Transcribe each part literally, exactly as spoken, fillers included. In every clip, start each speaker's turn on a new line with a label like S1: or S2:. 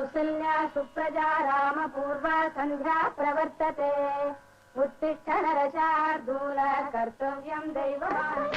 S1: కౌసల్యా సుప్రజా రామ పూర్వ సంధ్యా ప్రవర్తతే ఉత్తిష్ట నరశార్దూల కర్తవ్యం దైవమాన్.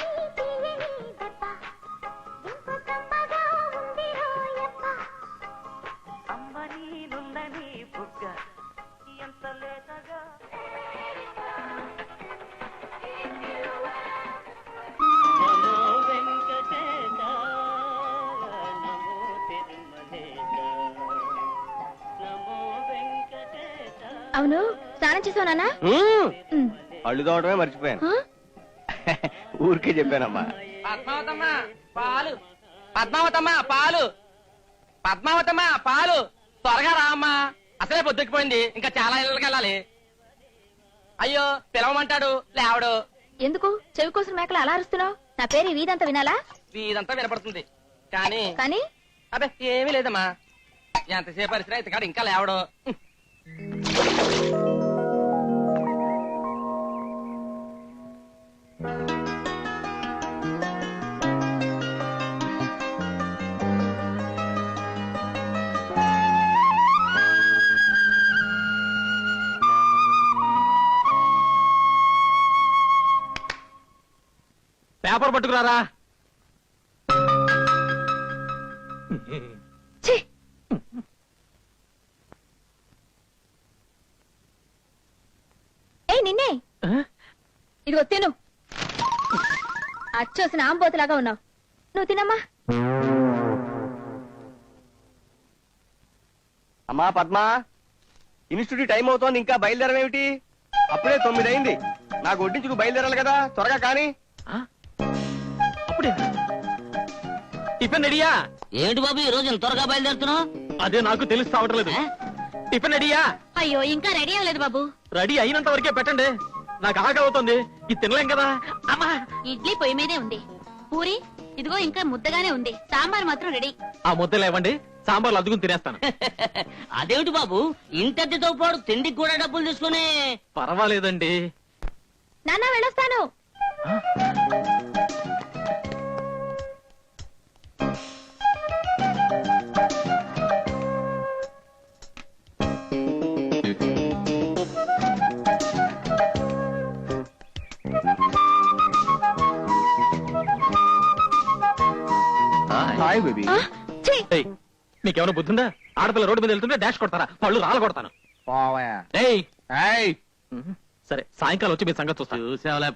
S2: అవును, స్నానం చేసావు నాన్న?
S3: అళ్ళు తోవడమే మర్చిపోయాను. ఊరికే చెప్పానమ్మా.
S4: పద్మావతమ్మ పాలు, పద్మావతమ్మ పాలు, పద్మావతమ్మ పాలు, త్వరగా రా అమ్మా, అసలే పొద్దుకిపోయింది, ఇంకా చాలా ఇళ్ళకి వెళ్ళాలి. అయ్యో పిలవమంటాడు లేవడు.
S2: ఎందుకు చెవి కోసం మేకలు అలా అరుస్తున్నావు? నా పేరు వీధంతా వినాలా?
S4: వీధంతా వినపడుతుంది కానీ
S2: కానీ
S4: అదే ఏమీ లేదమ్మా. ఎంతసేపు పరిస్థితి అయితే కాదు ఇంకా లేవడు. పేపర్ పట్టుకురారా.
S2: ఏ నిన్నే, ఇదిగో తిను. అచ్చోసిన ఆంబోతులాగా ఉన్నావు, నువ్వు తినమ్మా.
S3: అమ్మా పద్మా, ఇన్స్టిట్యూట్ టైం అవుతోంది, ఇంకా బయలుదేరమేమిటి? అప్పుడే తొమ్మిది అయింది. నాకు వడ్డించుకు బయలుదేరాలి కదా, త్వరగా కానీ.
S4: అప్పుడే టిఫిన్ రెడీయా?
S5: ఏంటి బాబు ఈ రోజు త్వరగా బయలుదేరుతున్నావు?
S4: అదే నాకు తెలుస్తా ఉండలేదు. టిఫిన్ రెడీయా?
S2: అయ్యో ఇంకా రెడీ అవ్వలేదు బాబు.
S4: రెడీ అయినంత వరకే పెట్టండి, నాకు ఆకలి అవుతుంది, ఇది తినలేం కదా. అమ్మా
S2: ఇడ్లీ పొయ్యి మీదే ఉంది, పూరి ఇదిగో ఇంకా ముద్దగానే ఉంది, సాంబార్ మాత్రం రెడీ.
S4: ఆ ముద్దలు ఇవ్వండి, సాంబార్లు అద్దుకుని తినేస్తాను.
S5: అదేమిటి బాబు ఇంతటితో పాటు తిండికి కూడా డబ్బులు తీసుకుని?
S4: పర్వాలేదండి.
S2: నాన్న వెళ్ళొస్తాను.
S3: Hi baby.
S4: మీకేమైనా బుద్ధిందా? ఆడపిల్ల రోడ్డు మీద వెళ్తుంటే డాష్ కొడతారా? పళ్ళు రాళ్ళ కొడతాను. సరే సాయంకాలం వచ్చి మీ సంగతి చూస్తాను.
S5: చూసేవలే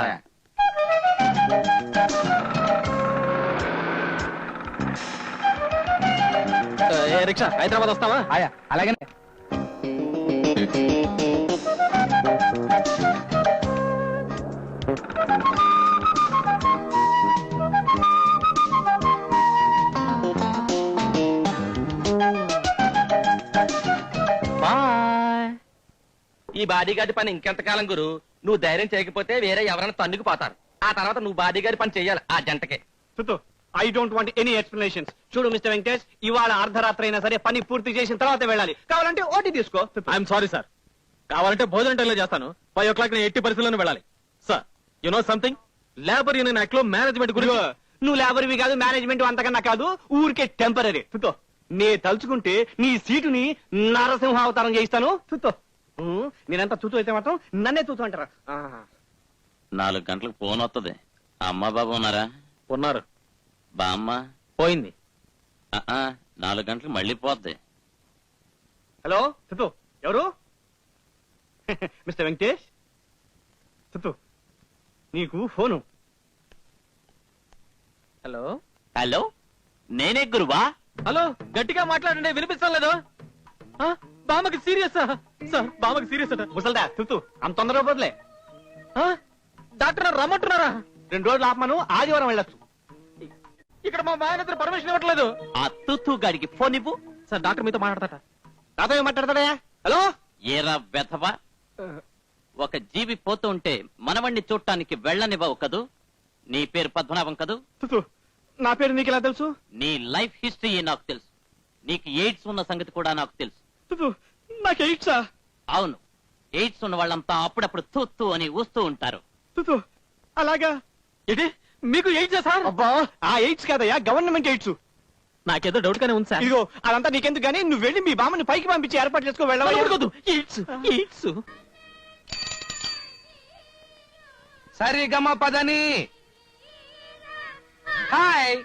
S4: రిక్షా హైదరాబాద్ వస్తావా?
S3: అలాగే.
S4: ఈ బాడీగార్డ్ పని ఇంకెంతకాలం గురు? నువ్వు ధైర్యం చేయకపోతే వేరే ఎవరైనా తన్నుకు పోతారు. ఆ తర్వాత నువ్వు బాడీగార్డ్ పని చెయ్యాలి ఆ జంటకే.
S6: I don't want any explanations. చూడు మిస్టర్ వెంకటేష్, ఇవాళ అర్ధరాత్రి అయినా సరే పని పూర్తి చేసిన తర్వాత వెళ్ళాలి. కావాలంటే ఓటీ తీసుకో.
S4: ఐఎమ్ సారీ సార్, కావాలంటే భోజనం టైంలో చేస్తాను. ఫైవ్ ఓ క్లాక్ నేను ఎట్టి పరిస్థితుల్లో వెళ్ళాలి. Sir you know something, labour union act లో మేనేజ్మెంట్ గురించి.
S6: నువ్వు లేబర్వి కాదు, మేనేజ్మెంట్ అంతకన్నా కాదు, ఊరికే టెంపరీ. తుతో నే తలుచుకుంటే నీ సీటుని నరసింహ అవతారం చేయిస్తాను. తుతో నేనంతా తూతూ అయితే మాత్రం నన్నే తూతూ అంటారా?
S5: నాలుగు గంటలకు ఫోన్ వస్తుంది. అమ్మ బాబు ఉన్నారా?
S4: ఉన్నారు.
S5: బామ్మ
S4: పోయింది.
S5: నాలుగు గంటలకు మళ్ళీ పోద్ది.
S6: హలో తుతో, ఎవరు? మిస్టర్ వెంకటేష్, తుతో నీకు ఫోను.
S4: హలో
S5: హలో, నేనే గురువా.
S4: హలో గట్టిగా మాట్లాడండి, వినిపిస్తాం లేదు. బామ్మకి సీరియస్ సార్, బామ్మకి సీరియస్ అట.
S6: ముసల్దా తుతు అంత తొందరగా పోదులే.
S4: డాక్టర్ రమ్మంటున్నారా?
S6: రెండు రోజులు ఆపమను, ఆదివారం వెళ్ళొచ్చు.
S4: ఇక్కడ మా ఆయన పర్మిషన్ ఇవ్వట్లేదు.
S5: ఆ తుతు గాడికి ఫోన్ ఇవ్వు.
S4: సార్ డాక్టర్ మీతో మాట్లాడతాట.
S6: నాతో ఏం మాట్లాడతాడా? హలో
S5: ఏరా వెధవా, ఒక జీవి పోతూ ఉంటే మనవణ్ణి చూడటానికి వెళ్ళనివ్వవు కదూ. నీ పేరు పద్మనాభం కదూ?
S6: తుతు నా పేరు నీకు ఎలా తెలుసు?
S5: నీ లైఫ్ హిస్టరీ నాకు తెలుసు. నీకు ఎయిడ్స్ ఉన్న సంగతి కూడా నాకు తెలుసు.
S6: నాకు ఎయిడ్సా?
S5: అవును, ఎయిడ్స్ ఉన్న వాళ్ళంతా అప్పుడప్పుడు తూత్తు అని ఊస్తూ ఉంటారు.
S6: అలాగా?
S4: ఇది మీకు ఎయిడ్స్ సార్?
S6: అబ్బా, ఆ ఎయిడ్స్ కాదయ్యా, గవర్నమెంట్ ఎయిడ్స్.
S5: నాకేదో డౌట్ గానే ఉంది సార్
S6: ఇదిగో అదంతా నీకెందుకు గానీ నువ్వు వెళ్ళి మీ బామ్మని పైకి పంపించి ఏర్పాటు చేసుకో వెళ్ళవద్దు.
S5: ఇట్స్ ఇట్స్
S3: సరి గమ పదని హాయ్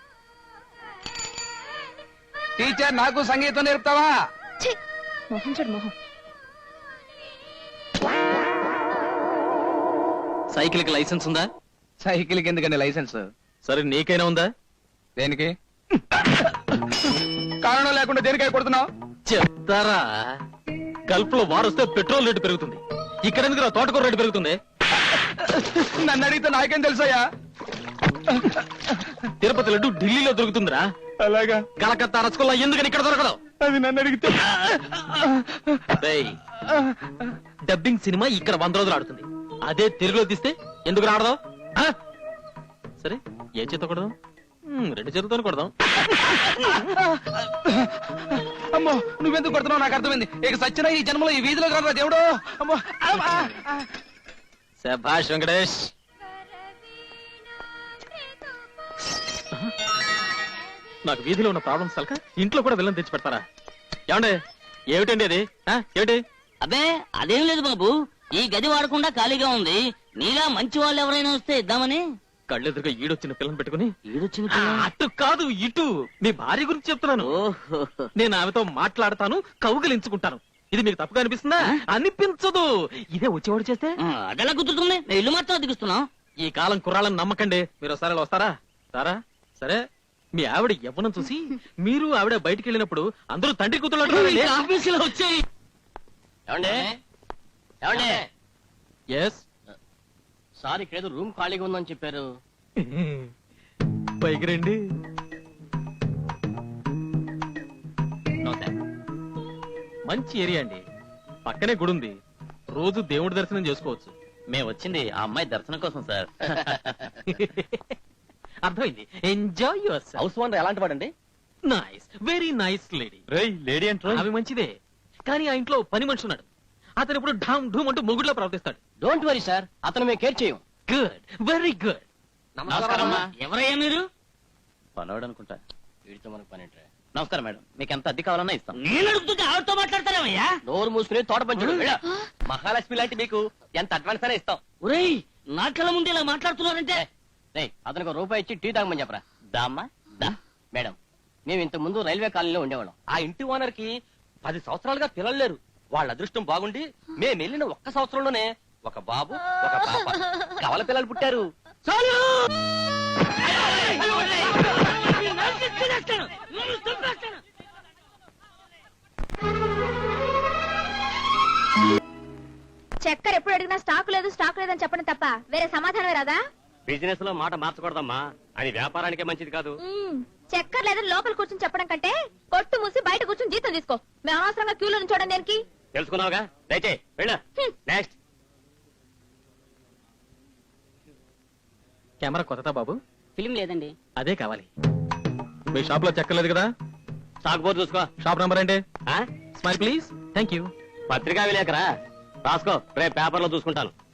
S3: టీచర్ నాకు సంగీతం నేర్పుతావా?
S2: మొహం చూడు మొహం.
S5: సైకిల్ కి లైసెన్స్ ఉందా?
S3: సైకిల్ కి ఎందుకండి లైసెన్స్?
S5: సరే నీకైనా ఉందా?
S3: దేనికి? కారణం లేకుండా దేనికై కొడుతున్నావు?
S5: చెప్తారా, గల్ఫ్ లో వారొస్తే పెట్రోల్ రేటు పెరుగుతుంది, ఇక్కడ ఎందుకు తోటకూర రేటు పెరుగుతుంది?
S3: నన్ను అడిగితే నాకేం తెలుసయ్యా?
S5: తిరుపతి లడ్డు ఢిల్లీలో దొరుకుతుందిరా,
S3: అలాగా?
S5: కలకత్తా రసగుల్లా ఎందుకని ఇక్కడ దొరకదు?
S3: అది నన్ను అడిగితే
S5: డేయ్, డబ్బింగ్ సినిమా ఇక్కడ వంద రోజులు ఆడుతుంది, అదే తెలుగులో తీస్తే ఎందుకు రాడదు? సరే ఏ చేత కొడదాం? మ్, రెండు చేతులతో కొడదాం.
S3: అమ్మో నువ్వెందుకు కొడుతున్నావు నాకు అర్థమైంది. ఇక సచ్చిన ఈ జన్మలో ఈ వీధిలో కాదు దేవుడు. అమ్మో అమ్మా.
S5: శభాష్ వెంకటేష్. నాకు వీధిలో ఉన్న ప్రాబ్లమ్స్ తలక ఇంట్లో కూడా విలన్ తెచ్చి పెడతారా? ఏమండే ఏమిటండి అది? ఆ, ఏమిటి?
S7: అబ్బే అదేం లేదు బాబు, ఈ గది వాడకుండా ఖాళీగా ఉంది, నీలా మంచి వాళ్ళు ఎవరైనా వస్తే ఇద్దామని.
S5: కళ్ళెదురుగా ఈడొచ్చిన పిల్లని పెట్టుకుని
S7: ఈడొచ్చిన
S5: ఆ, అటు కాదు ఇటు మీ భార్య గురించి చెప్తున్నాను.
S7: ఓహో,
S5: నేను ఆమెతో మాట్లాడతాను, కౌగిలించుకుంటాను. ఇది మీకు తప్పుగా అనిపిస్తుందా? అనిపించదు. ఇదే వచ్చేవాడు చేస్తే
S7: ఆ, అదెలా కుదురుతుంది? నేను ఇల్లు మాత్రం దిగుస్తున్నాం.
S5: ఈ కాలం కుర్రాళ్ళని నమ్మకండి. మీరు ఒకసారి ఇలా వస్తారా? సారా సరే, మీ ఆవిడ యవ్వనం చూసి మీరు ఆవిడ బయటికి వెళ్ళినప్పుడు అందరూ తండ్రి కూతురు
S7: ఆఫీసులో వచ్చాయి. ఏమండే ఏమండే
S5: ఎస్
S7: సార్ ఇక్కడేదో రూమ్ ఖాళీగా ఉందని చెప్పారు.
S5: పైకి రండి. మంచి ఏరియా అండి, పక్కనే గుడి ఉంది, రోజు దేవుడి దర్శనం చేసుకోవచ్చు.
S7: మేము వచ్చింది ఆ అమ్మాయి దర్శనం కోసం సార్.
S5: అర్థమైంది. Enjoy yourself.
S4: House owner ఎలాంటి వాడండి?
S5: Nice, very nice lady.
S4: Lady అంటే
S5: అవి మంచిదే, కానీ ఆ ఇంట్లో పని మనిషి ఉన్నాడు. అతను ఇప్పుడు ఢామ్ ఢూమ్ అంటూ మొగుడులో ప్రవర్తిస్తాడు.
S7: డోంట్ వరీ సార్, అతను మేము కేర్ చేయం.
S5: Good, very good.
S7: నమస్కారమ్మా. ఎవరయ్యా మీరు?
S5: పనోడు అనుకుంటా.
S7: వీడితో మనకు పని ఏంట్రా?
S5: నమస్కారం మేడం, మీకు ఎంత అద్దె కావాలన్నా ఇస్తాం.
S7: నేను అడుగుతుంటే ఆవిడతో మాట్లాడతారేమయ్యా?
S4: నోరు మూసుకుని తోట పంచుడు. మహాలక్ష్మి లాంటి మీకు ఎంత అడ్వాన్స్ అయినా ఇస్తాం.
S7: ఒరేయ్, నా కళ్ళ ముందు ఇలా మాట్లాడుతున్నారంటే.
S4: అతనికి ఒక రూపాయి ఇచ్చి టీ తాగమని చెప్పరా.
S7: దామ్మా దా.
S4: మేడం, మేము ఇంత ముందు రైల్వే కాలనీలో ఉండేవాళ్ళం. ఆ ఇంటి ఓనర్ కి పది సంవత్సరాలుగా పిల్లలు లేరు. వాళ్ళ అదృష్టం బాగుండి మేము వెళ్ళిన ఒక్క సంవత్సరంలోనే ఒక బాబు ఒక పాప కవల పిల్లలు పుట్టారు.
S1: చక్కెర ఎప్పుడు అడిగినా స్టాక్ లేదు స్టాక్ లేదని చెప్పడం తప్ప వేరే సమాధానమే రాదా?
S4: బిజినెస్ లో మాట మార్చకూడదమ్మా, అది వ్యాపారానికే మంచిది కాదు.
S1: మ్మ్. చక్కెర లేదని లోపల కూర్చొని చెప్పడం కంటే కొట్టు మూసి బయట కూర్చొని జీతం తీసుకో. మేము అనవసరంగా క్యూలో నుంచోడం దేనికి?
S4: తెలుసుకున్నావుగా, దయచే వెళ్ళ. నెక్స్ట్.
S5: కెమెరా కొత్తదా బాబు?
S7: ఫిలిం లేదండి.
S5: అదే కావాలి. మీ షాప్ లో చెక్కలేదు కదా?
S4: స్టాక్ బోర్డు చూసుకో.
S5: షాప్ నంబర్ ఏంటి?
S4: ఆ?
S5: Smile please. Thank you.
S4: పత్రికా విలేకరా రాసుకో, రేపు పేపర్ లో చూసుకుంటాను.